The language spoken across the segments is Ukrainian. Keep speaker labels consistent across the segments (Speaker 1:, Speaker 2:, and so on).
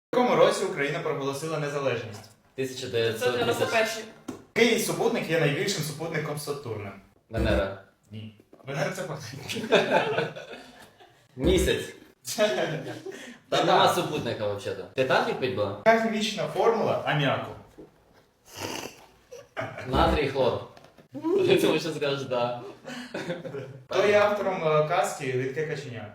Speaker 1: В якому році Україна проголосила незалежність?
Speaker 2: 1991.
Speaker 1: Який супутник є найбільшим супутником Сатурна?
Speaker 3: Венера.
Speaker 1: Ні. Венера це планета.
Speaker 3: Місяць. Там нема супутника взагалі. Титан відповідь була?
Speaker 1: Яка хімічна формула аміаку?
Speaker 3: Натрій, хлор. Я думаю, що скажеш да.
Speaker 1: Хто є автором казки «Рідке каченя»?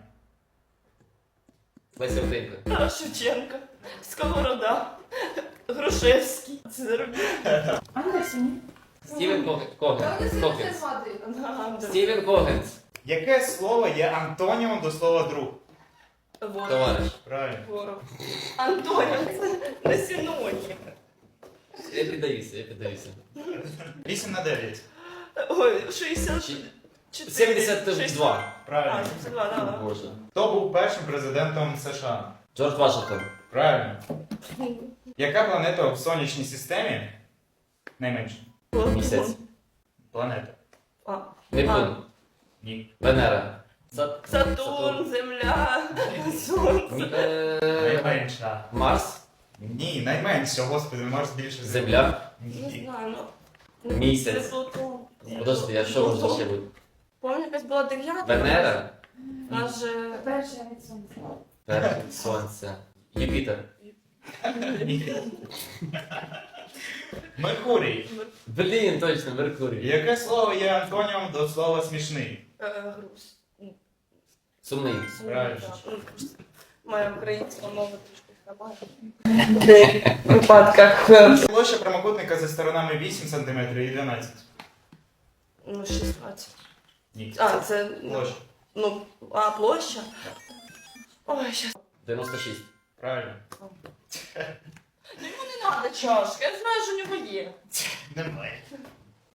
Speaker 3: Леся Українка.
Speaker 2: Тарас Шевченко. Сковорода. Грушевський. Це
Speaker 4: Андерсені.
Speaker 3: Стівен Когенс.
Speaker 2: Да.
Speaker 3: Стівен Когенс.
Speaker 1: Яке слово є антонімом до слова друг?
Speaker 2: Ворог.
Speaker 3: Товариш.
Speaker 1: Правильно.
Speaker 2: Ворог. Антонів. Це не синонім.
Speaker 3: Я піддаюся.
Speaker 1: 8 на 9.
Speaker 2: Ой, 64.
Speaker 3: 72.
Speaker 2: А,
Speaker 1: Правильно.
Speaker 2: 72, да, да.
Speaker 3: Боже.
Speaker 1: Хто був першим президентом США?
Speaker 3: Джордж Вашингтон.
Speaker 1: Правильно. Яка планета в сонячній системі найменша?
Speaker 3: Місяць.
Speaker 1: Планета.
Speaker 2: А.
Speaker 3: Нептун.
Speaker 1: Ні.
Speaker 3: Венера.
Speaker 2: Сатурн, Земля, Сонце.
Speaker 1: Найменша.
Speaker 3: Марс.
Speaker 1: Ні, найменша, господи, Марс більше
Speaker 3: Земля.
Speaker 2: Не
Speaker 1: Ні.
Speaker 2: знаю, ну.
Speaker 3: Місяць.
Speaker 2: Це Плутон.
Speaker 3: Подожди, а що може ще бути?
Speaker 2: Помню, якась була 9.
Speaker 3: Венера.
Speaker 2: Нас же...
Speaker 4: Перше від сонця.
Speaker 3: Сонце. Юпітер.
Speaker 1: Ні. Меркурій.
Speaker 3: Блін, точно, Меркурій.
Speaker 1: Яке слово є антонімом до слова смішний?
Speaker 2: Груз.
Speaker 3: Сумний.
Speaker 1: Правильно.
Speaker 2: Моя українська мова трішки хабає. В деяких випадках.
Speaker 1: Площа прямокутника за сторонами 8 см і 12.
Speaker 2: Ну, 16.
Speaker 1: Ні.
Speaker 2: А, це...
Speaker 1: Площа.
Speaker 2: Ну, а, площа? Ой, щас.
Speaker 3: 96.
Speaker 1: Правильно.
Speaker 2: Не треба чашки, я знаю, що у нього є.
Speaker 1: Немає.